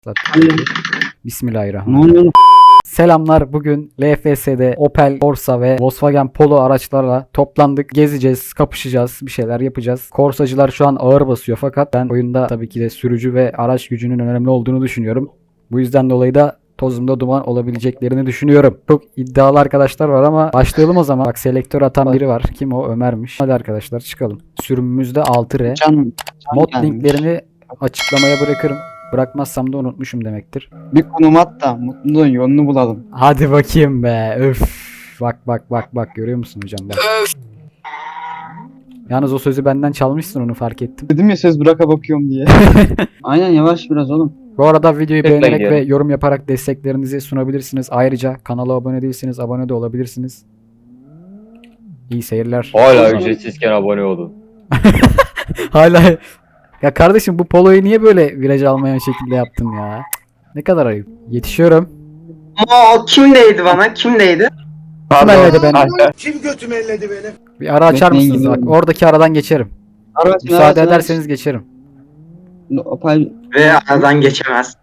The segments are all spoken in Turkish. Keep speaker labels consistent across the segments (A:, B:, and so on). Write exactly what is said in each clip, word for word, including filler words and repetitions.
A: Zaten. Bismillahirrahmanirrahim.
B: Ne oluyor?
A: Selamlar. Bugün L F S'de Opel Corsa ve Volkswagen Polo araçlarla toplandık. Gezeceğiz, kapışacağız, bir şeyler yapacağız. Korsacılar şu an ağır basıyor fakat ben oyunda tabii ki de sürücü ve araç gücünün önemli olduğunu düşünüyorum. Bu yüzden dolayı da tozumda duman olabileceklerini düşünüyorum. Çok iddialı arkadaşlar var ama başlayalım o zaman. Bak selektör atan biri var. Kim o? Ömer'miş. Hadi arkadaşlar çıkalım. Sürümümüzde altı R.
B: Can, can
A: Mod
B: gelmiş.
A: linklerini açıklamaya bırakırım. Bırakmazsam da unutmuşum demektir.
B: Bir konum at da mutluluğun yolunu bulalım.
A: Hadi bakayım be. Öf. Bak bak bak bak görüyor musun hocam bak. Yalnız o sözü benden çalmışsın, onu fark ettim.
B: Dedim ya söz bıraka bakıyorum diye. Aynen yavaş biraz oğlum.
A: Bu arada videoyu
C: Tıkla
A: beğenerek
C: gidiyorum.
A: ve yorum yaparak desteklerinizi sunabilirsiniz. Ayrıca kanala abone değilseniz abone de olabilirsiniz. İyi seyirler.
C: Hala ücretsizken abone olun.
A: Hala. Ya kardeşim bu poloyu niye böyle viraj almayan şekilde yaptın ya? Ne kadar ayıp. Yetişiyorum.
D: Ama o kimdeydi bana? Kimdeydi?
A: Kim elledi beni?
E: Kim götümü elledi benim?
A: Bir ara açar
B: Bekleyin,
A: mısınız? Bak
B: gidiyorum.
A: oradaki aradan geçerim.
B: Araç,
A: Müsaade ederseniz geçerim.
B: Opel
D: Ve aradan geçemez.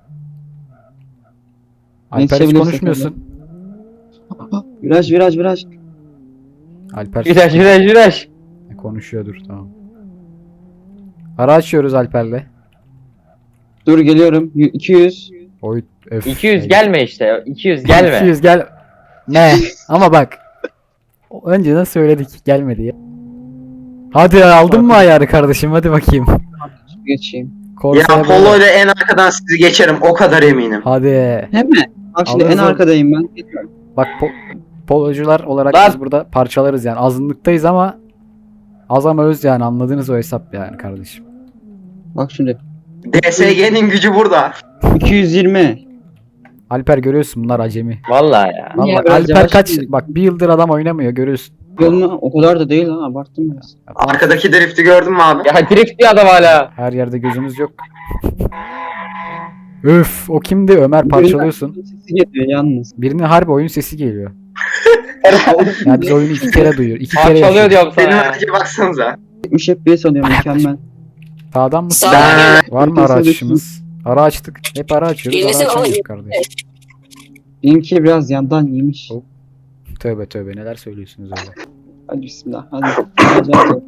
A: Alper hiç
B: Geçebilirsek
A: konuşmuyorsun.
B: viraj viraj viraj.
A: Alper
C: Viraj viraj viraj.
A: konuşuyordur, tamam. Ara açıyoruz Alper'le.
B: Dur geliyorum. Y- iki yüz.
A: Oy, öf.
C: iki yüz
A: Ey.
C: gelme işte. iki yüz gelme.
A: iki yüz gel. Ne? Ama bak. Önceden söyledik, gelmedi ya. Hadi aldın mı ayarı kardeşim, hadi bakayım.
B: Geçeyim.
D: Ya
A: Corsa'ya
D: Polo
A: böyle.
D: ile en arkadan sizi geçerim, o kadar eminim.
A: Hadi.
B: Hem mi? Bak şimdi
A: Alırız
B: en
A: oğlum.
B: arkadayım ben. Geliyorum.
A: Bak po- polocular olarak
C: Lan.
A: biz burada parçalarız yani. Azınlıktayız ama az ama öz yani, anladınız o hesap yani kardeşim.
B: Bak şimdi.
D: D S G'nin gücü burada.
B: iki yüz yirmi.
A: Alper görüyorsun, bunlar acemi.
C: Vallahi ya.
A: Vallahi
B: Niye biraz
A: Alper
B: yavaş
A: kaç
B: gidiyor?
A: bak bir yıldır adam oynamıyor, görüyorsun.
B: Yolunu o kadar da değil ha, abarttım biraz.
D: Arkadaki drifti gördün mü abi?
C: Ya drift diyor adam hala.
A: Her yerde gözümüz yok. Öf, o kimdi? Ömer, parçalıyorsun.
B: Sesi geliyor yalnız.
A: Birinin harbi oyun sesi geliyor. Ya biz oyunu iki kere duyuyor. İki kere
C: Parçalıyor
A: yaşıyor.
C: diyorum sana
D: Benim
C: ya.
D: araca baksanıza.
B: yetmiş F P S alıyor mükemmel.
A: Sağdan mı?
D: Ben...
A: Var mı ara
B: Sağdan.
A: açışımız? Ara açtık. Hep ara açıyoruz. Ara
F: Yenisi
A: açamıyoruz
F: var.
A: kardeşim.
B: Benimki biraz yandan yemiş.
A: Hop. Tövbe tövbe, neler söylüyorsunuz öyle.
B: Hadi bismillah hadi. Hadi, hadi.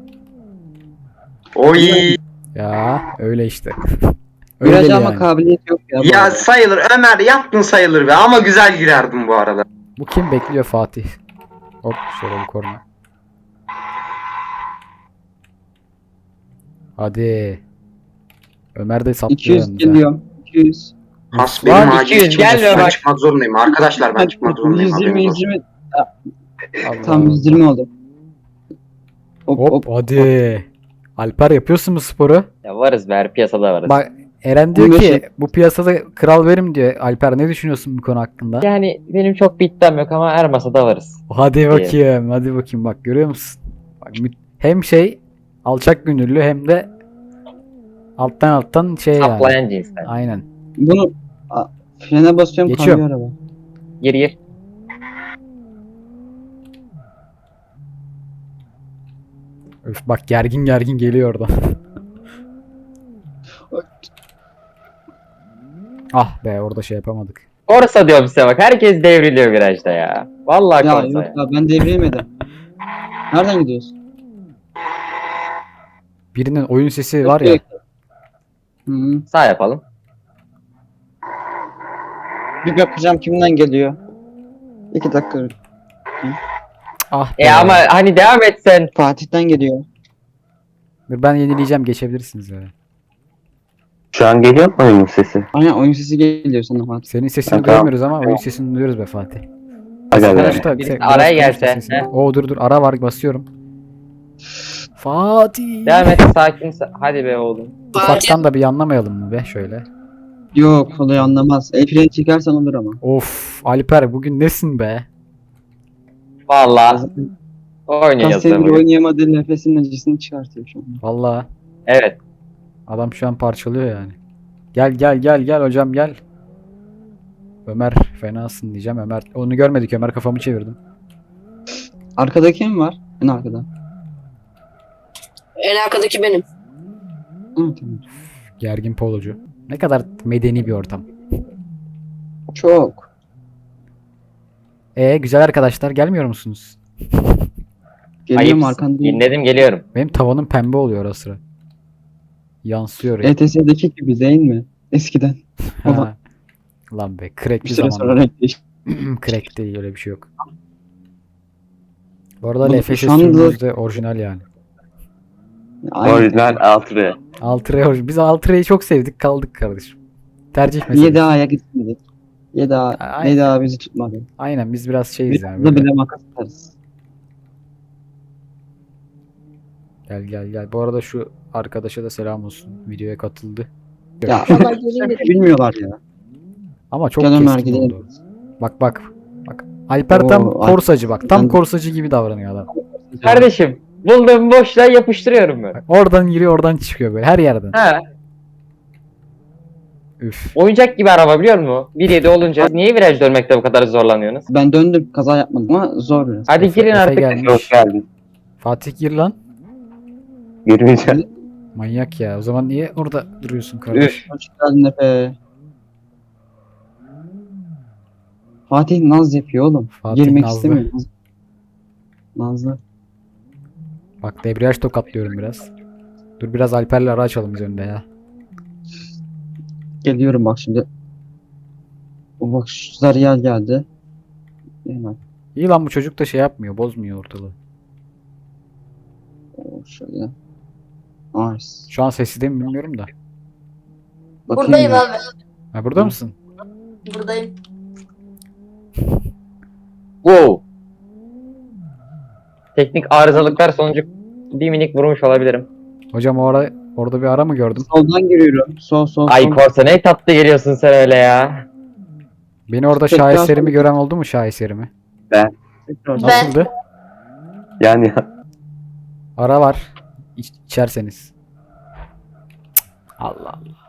D: Oy.
A: Ya öyle işte. Öyle
B: Viraj
A: yani.
B: alma kabiliyeti yok ya. bu
D: Ya
B: arada.
D: sayılır Ömer, yaptın sayılır be, ama güzel girerdim bu arada.
A: Bu kim bekliyor? Fatih. Hop şöyle bir korna. Hadi. Ömer de saplıyor
B: iki yüz
A: yalnız ha.
B: geliyorum. iki yüz.
D: Has
A: Lan
D: benim acil
C: iki yüz
D: çıkacak.
C: gelmiyor
D: Ben
C: bak.
D: çıkmak zorundayım arkadaşlar, ben çıkmak zorundayım.
B: yüz yirmi
D: haberiniz
B: yüz
D: olsun.
B: yirmi.
A: Allah
B: Tam
A: Allah.
B: yüz yirmi oldu. Hop hop.
A: Hop hadi. Alper, yapıyorsun mu sporu?
C: Ya varız be, her piyasada varız.
A: Bak Eren diyor
B: on beş
A: ki
B: yap.
A: bu piyasada kral benim diyor. Alper, ne düşünüyorsun bu konu hakkında?
C: Yani benim çok bir iddiam yok ama her masada varız.
A: Hadi bakayım, hadi bakayım, bak görüyor musun? Bak, mü- hem şey alçak gönüllü hem de alttan alttan şey yani.
C: Saplayan cinsten.
A: Aynen.
B: Bunu a, frene basıyorum
A: Geçiyorum.
B: kalıyor araba.
C: Gir gir.
A: Öf, bak gergin gergin geliyor oradan. Ah be, orada şey yapamadık.
C: Corsa diyorum size bak. Herkes devriliyor virajda ya. Vallahi
B: Ya
C: Corsa
B: yok
C: ya.
B: ya ben devriyemedim. Nereden gidiyorsun?
A: Birinin oyun sesi var ya.
B: Hı -hı.
C: Sağ yapalım.
B: Bir bakacağım kimden geliyor. İki dakika.
A: Ah be.
C: E ama hani devam etsen.
B: Fatih'ten geliyor.
A: Dur, ben yenileyeceğim, geçebilirsiniz ya.
G: Şu an geliyor mu oyunun sesi?
B: Aynen oyun sesi geliyor sana Fatih.
A: Senin sesini
G: Tamam.
A: duyamıyoruz ama oyun sesini duyuyoruz be Fatih.
G: Aga
A: Konuş
G: be.
A: da-
C: Birisi
A: biraz
C: araya
A: konuş da
C: gelse,
A: sesini.
C: he.
A: Oo dur dur, ara var, basıyorum. Fatih.
C: Devam et sakin. sa- Hadi be oğlum.
A: Ufaktan da bir anlamayalım mı be şöyle.
B: Yok olayı anlamaz. El freni çekersen olur ama.
A: Of Alper, bugün nesin be?
C: Vallahi
B: Kaç
C: oynuyoruz da
B: senedir
C: bugün.
B: oynayamadığı nefesinin acısını çıkartıyor şu an.
A: Vallahi
C: Evet.
A: adam şu an parçalıyor yani. Gel gel gel gel hocam gel. Ömer fenasın diyeceğim. Ömer onu görmedik, Ömer kafamı çevirdim.
B: Arkada kim var? En arkada.
F: En arkadaki benim.
B: Hı, tamam.
A: Gergin polocu. Ne kadar medeni bir ortam.
B: Çok. E
A: E güzel arkadaşlar gelmiyor musunuz?
B: Geliyorum
C: Ayıp.
B: arkandayım.
C: Dinledim geliyorum.
A: Benim tavanım pembe oluyor ara sıra. Yansıyor ya.
B: E T S'deki gibi değil mi? Eskiden.
A: Ha. Lan be
B: Bir
A: crackli
B: süre sonra
A: zaman.
B: renk değişti.
A: Crack değil öyle bir şey yok. Bu arada
B: Bu-
A: L F S
B: şu anda-
A: sürümümüz de orijinal yani.
B: Aynen.
G: Orijinal altı.
A: Altıra orij- Biz Altıra'yı çok sevdik kaldık kardeşim. Tercih meselesi.
B: yedi A'ya gitmedik. yedi A,
A: Aynen.
B: yedi A bizi tutmadı.
A: Aynen biz biraz şeyiz
B: Biz
A: yani.
B: de
A: böyle.
B: bile makas atarız.
A: Gel gel gel. Bu arada şu arkadaşa da selam olsun. Videoya katıldı.
B: Ya
F: Vallahi geleyim dedim.
B: bilmiyorlar ya.
A: Ama çok
B: Gel Ömer,
A: keskin
B: gidelim.
A: oldu. Bak bak. Bak. Alper tam
B: Oo,
A: korsacı bak. Tam
B: Ben-
A: korsacı gibi davranıyor adam.
C: Kardeşim bulduğum boşluğa yapıştırıyorum ben.
A: Bak, oradan giriyor oradan çıkıyor böyle her yerden.
C: Ha,
A: Üf.
C: oyuncak gibi araba biliyor musun? bir yedi olunca niye viraj dönmekte bu kadar zorlanıyorsunuz?
B: Ben döndüm kaza yapmadım ama zor biraz.
C: Hadi
A: Efe-
C: girin
A: Efe
C: artık.
A: gelmiş.
G: Hoş geldin.
A: Fatih gir lan.
G: Girmeyeceğim.
A: Manyak ya. O zaman niye orada duruyorsun kardeş?
C: Üf.
B: Hoş geldin Efe. Fatih naz yapıyor oğlum.
A: Fatih
B: Girmek
A: nazlı.
B: istemiyor. Naz- Nazlı.
A: Bak debriyaj tokatlıyorum biraz. Dur biraz Alper'le ara açalım biz önde ya.
B: Geliyorum bak şimdi. O bak şu Zariyel geldi. Hemen.
A: İyi lan bu çocuk da şey yapmıyor. Bozmuyor ortalığı.
B: O şöyle. Nice.
A: Şu an sesi de mi bilmiyorum da.
B: Bakayım
F: Buradayım
B: ya.
F: abi.
A: Ha burada mısın?
F: Buradayım.
C: Wow. Teknik arızalıklar sonucu bir minik vurmuş olabilirim.
A: Hocam o ara, orada bir ara mı gördüm?
B: Soldan giriyorum. Sol sol
C: Ay
B: sol.
C: Korsa ne tatlı geliyorsun sen öyle ya.
A: Beni orada
B: Tekrar
A: şaheserimi
B: sol-
A: gören oldu mu şaheserimi?
B: Tekrar.
F: Ben-
A: Nasıldı?
G: Yani
A: Ara var. İç, içerseniz. Cık, Allah Allah.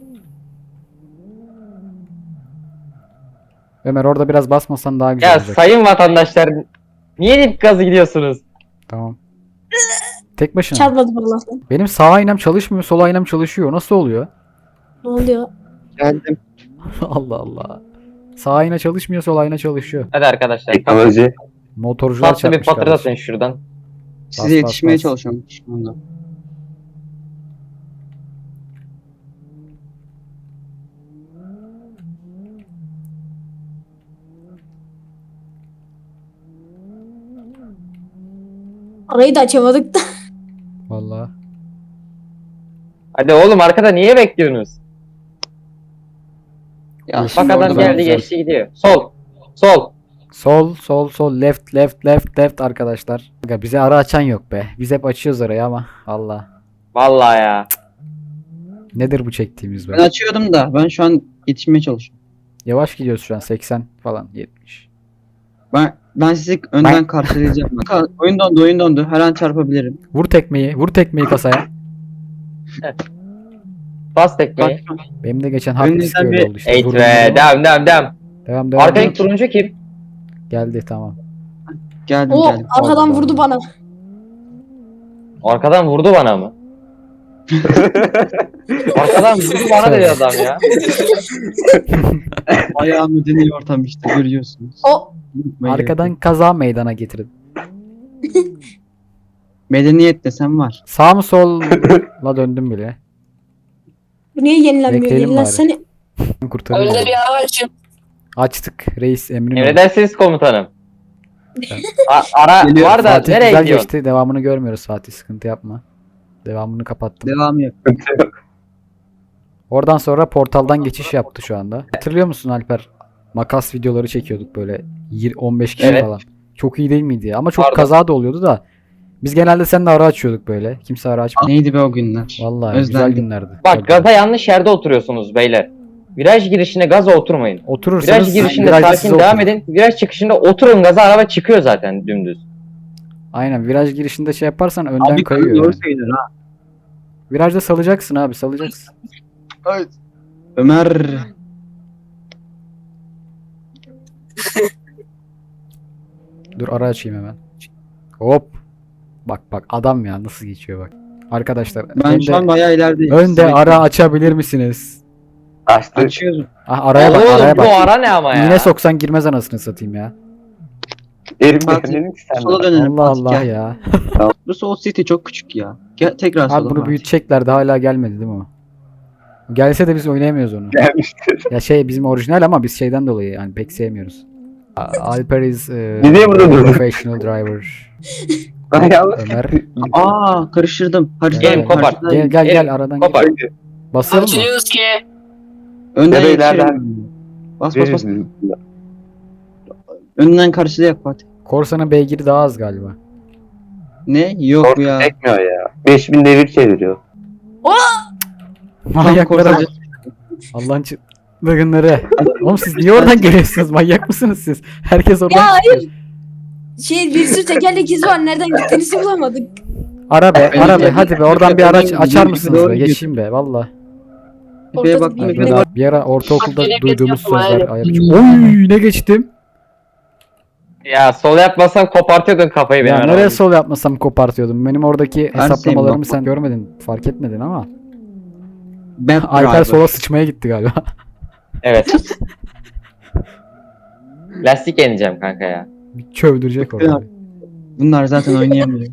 A: Ömer orada biraz basmasan daha güzel
C: Ya
A: olacak.
C: sayın vatandaşlar niye dip gazı gidiyorsunuz?
A: Tamam. Tek başına.
F: Çarpmadım Allah'tan.
A: Benim sağ aynam çalışmıyor, sol aynam çalışıyor. Nasıl oluyor?
F: Ne oluyor?
B: Geldim.
A: Allah Allah. Sağ ayna çalışmıyor, sol ayna çalışıyor.
C: Hadi arkadaşlar.
G: teknoloji.
A: Motorcular
C: Tatlı bir
A: çarpmış
C: patlatın
A: kardeşim.
C: şuradan.
B: Size
A: Bas,
B: yetişmeye
A: bas, bas.
B: çalışıyorum şu anda.
F: Arayı da açamadık da.
A: Vallahi.
C: Hadi oğlum arkada niye bekliyorsunuz?
B: Ya
A: Bak
B: şimdi
C: Bak adam
B: orada
C: geldi
B: ben-
C: geçti gidiyor. Sol. Sol.
A: Sol, sol, sol, left, left, left, left arkadaşlar. Aga bize ara açan yok be. Biz hep açıyoruz arayı ama. Allah.
C: Vallahi ya.
A: Nedir bu çektiğimiz
B: Ben
A: be?
B: açıyordum da ben şu an yetişmeye çalışıyorum.
A: Yavaş gidiyoruz şu an. seksen falan, yetmiş.
B: Ben ben sizi önden karşılayacağım. Ka- oyun dondu, oyun dondu. Her an çarpabilirim.
A: Vur tekmeyi, vur tekmeyi kasaya.
C: Bas
B: Bak
C: tekmeyi.
A: Benim de geçen hard disk
B: Önünüzden
A: öyle
B: bir-
A: oldu işte.
C: Eğit
A: Vurdum,
C: be.
A: vurdum.
C: Devam devam devam.
A: Devam, devam.
C: Arkadaki turuncu kim?
A: Geldi tamam.
B: geldim
F: O
B: geldim.
F: arkadan
A: Allah.
F: vurdu bana.
C: Arkadan vurdu bana mı? Arkadan vurdu bana dedi adam ya.
B: Bayağı medeni ortam işte görüyorsunuz.
F: O
B: Unutmayın.
A: Arkadan kaza meydana getirdim.
B: Medeniyet desem var.
A: Sağ mı solla döndüm bile.
F: bu niye yenilenmiyor?
A: Bekleyelim
F: Yenilensene.
A: Kurtardım.
F: Öyle bir araçım.
A: Açtık reis emrin. oldu.
C: Emredersiniz komutanım. A- ara
B: Geliyor.
C: var da
A: Fatih
C: nereye
A: güzel
C: gidiyorsun?
A: geçti. Devamını görmüyoruz Fatih. Sıkıntı yapma. Devamını kapattım.
B: Devam yok.
A: Oradan sonra portaldan geçiş yaptı şu anda. Hatırlıyor musun Alper? Makas videoları çekiyorduk böyle yirmi on beş kişi
C: Evet.
A: falan. Çok iyi değil miydi ya? Ama çok
C: Pardon.
A: kaza da oluyordu da. Biz genelde seninle ara açıyorduk böyle. Kimse ara açmadı.
B: Neydi be o günler?
A: Vallahi güzel
B: Özlendim.
A: günlerdi.
C: Bak gaza yanlış yerde oturuyorsunuz beyler. Viraj girişinde gaza oturmayın.
A: Oturursanız
C: Viraj girişinde
A: virajda
C: sakin
A: siz
C: devam
A: oturun.
C: edin. Viraj çıkışında oturun gaza araba çıkıyor zaten dümdüz.
A: Aynen viraj girişinde şey yaparsan önden
B: Abi
A: kayıyor
B: doğru
A: yani.
B: söylüyor ha.
A: Virajda salacaksın abi salacaksın.
B: Ömer.
A: Dur ara açayım hemen. Hop. Bak bak adam ya nasıl geçiyor bak. Arkadaşlar
B: Ben şu an
A: önde,
B: bayağı ilerideyim.
A: önde
B: Sizi
A: ara açabilir misiniz?
G: Açtı.
B: Açıyoruz.
A: Ah araya bak
C: Oğlum
A: araya
C: bu
A: bak.
C: ara ne ama ya?
A: Yine soksan girmez anasını satayım ya.
G: Erim
B: Fatih,
G: dedim ki sen
B: Sola
G: de.
B: dönelim.
A: Allah
B: Fatih,
A: Allah
B: gel.
A: ya.
B: Bu Soul City çok küçük ya. Gel, tekrar
A: Abi
B: sola
A: bunu
B: Fatih.
A: büyütecekler de hala gelmedi değil mi o? Gelse de biz oynayamıyoruz onu.
G: Gelmiştir.
A: Ya şey bizim orijinal ama biz şeyden dolayı yani pek sevmiyoruz. A- Alper is e,
G: Niye burada durdun?
A: professional driver.
G: Ben yanlış
A: Ömer.
B: Aa karıştırdım. Harita
A: Gel,
C: Gelin, kopar.
B: karşıda-
A: Gel gel
C: Elim,
A: gel aradan gel.
C: Kopar.
A: Basıyorum mı?
F: Açılıyoruz ki.
B: Önden
G: Ya da
B: yetişirim.
G: ileriden-
B: Bas bas bas.
G: Veririz.
B: Önden karşıda yap Fatih.
A: Korsa'nın beygiri daha az galiba.
B: Ne? Yok bu ya.
G: Çekmiyor ya. beş bin devir çeviriyor.
A: Manyaklara
B: korsacı.
A: bak. Allah'ın çıldırgınları. Oğlum siz niye oradan geliyorsunuz? Manyak mısınız siz? Herkes oradan
F: Ya
A: çıkıyor.
F: hayır. Şey bir sürü tekerlek izi var. Nereden gittiğinizi bulamadık.
A: Ara be,
B: Benim
A: ara be.
B: de-
A: Hadi be oradan bir araç
B: Benim-
A: açar
B: benim-
A: mısınız
B: doğru
A: be?
B: gidiyor.
A: Geçeyim be valla.
B: Tepeye
F: Ortada
B: baktım.
F: bir-
B: Efe'ye bak.
A: Bir ara ortaokulda
F: Bak,
A: duyduğumuz
F: yapma,
A: sözler
F: hayır.
A: ayak ucu. Oy ne geçtim?
C: Ya sol yapmasam kopartıyordun kafayı benim
A: Ya nereye
C: arabamı.
A: sol yapmasam kopartıyordum. Benim oradaki
B: Her
A: hesaplamalarımı
B: şeyim
A: sen görmedin, fark etmedin ama.
B: Bad
A: Alper
B: driver.
A: sola sıçmaya gitti galiba.
C: Evet. Lastik yeneceğim kanka ya.
A: Bir çövdürecek orada.
B: Bunlar zaten oynayamıyor.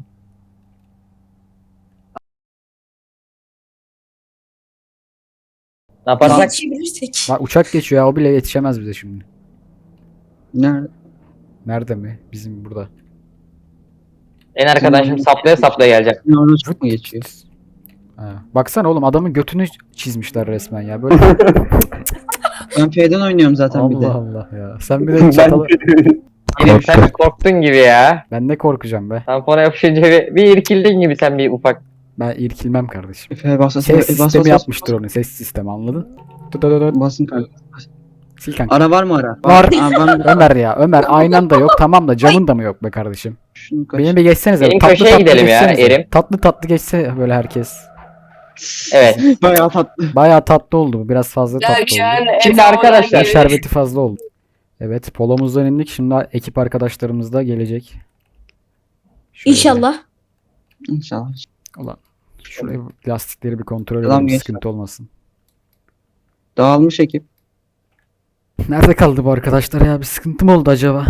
C: Ne yaparsak?
F: Yetişebilirsek.
A: Bak uçak geçiyor ya o bile yetişemez bize şimdi.
B: Nerede?
A: Nerede mi? Bizim burada.
C: En arkadan şimdi saplaya saplaya geleceğim.
B: Orada çok mu geçiyor?
A: Ha. Baksana oğlum adamın götünü çizmişler resmen ya. Böyle
B: Ben F'den oynuyorum zaten bir de.
A: Allah Allah ya. Sen bir de çatalı...
C: Yerim sen bir korktun gibi ya.
A: Ben ne korkacağım be.
C: Tampona yapışınca bir, bir irkildin gibi sen bir ufak.
A: Ben irkilmem kardeşim.
B: F'ye bas bas
A: Ses
B: bas bas
A: sistemi
B: bas.
A: yapmıştır onu. Ses sistemi anladın? Tut tut tut.
B: Basın kanka.
A: Sil kanka.
B: Ara var mı ara?
A: Var.
B: Aa, ben
A: Ömer ya. Ömer aynan da yok. Tamam da camın da mı yok be kardeşim?
B: şunu kaç.
A: Benim bir geçsenize.
C: Benim
A: tatlı
C: köşeye
A: tatlı
C: gidelim ya,
A: geçsenize.
C: Erim.
A: Tatlı tatlı geçse böyle herkes.
C: Evet.
B: Bayağı tatlı.
A: Bayağı tatlı oldu bu. Biraz fazla tatlı oldu.
C: Şimdi arkadaşlar.
A: Ya şerbeti fazla oldu. Evet, polomuzdan indik. Şimdi ekip arkadaşlarımız da gelecek. Şöyle.
F: İnşallah.
B: İnşallah.
A: Ulan şuraya lastikleri bir kontrol
B: Adam
A: edelim.
B: geçti.
A: Sıkıntı olmasın.
B: Dağılmış ekip.
A: Nerede kaldı bu arkadaşlar ya? Bir sıkıntı mı oldu acaba?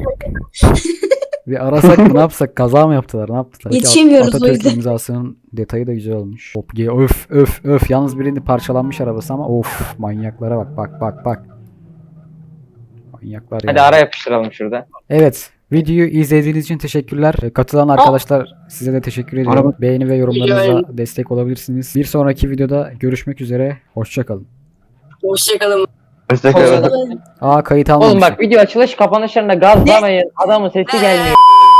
A: Bir arasak mı ne yapsak? Kaza mı yaptılar? Ne yaptılar?
F: Yetişemiyoruz o
A: Atatürk
F: yüzden.
A: imzasının detayı da güzel olmuş. Hop, ge- öf öf öf. Yalnız birinin parçalanmış arabası ama of manyaklara bak bak bak bak. Manyaklar
C: Hadi
A: ya.
C: ara yapıştıralım şurada.
A: Evet. Videoyu izlediğiniz için teşekkürler. Ee, Katılan arkadaşlar size de teşekkür ediyorum.
B: Araba-
A: Beğeni ve yorumlarınızla destek olabilirsiniz. Bir sonraki videoda görüşmek üzere. Hoşçakalın.
F: Hoşçakalın.
G: Hoşçakalın.
A: Aa kayıt almamışım.
C: Oğlum bak video açılış kapanışlarında gazlamayın. Adamın sesi gelmiyor.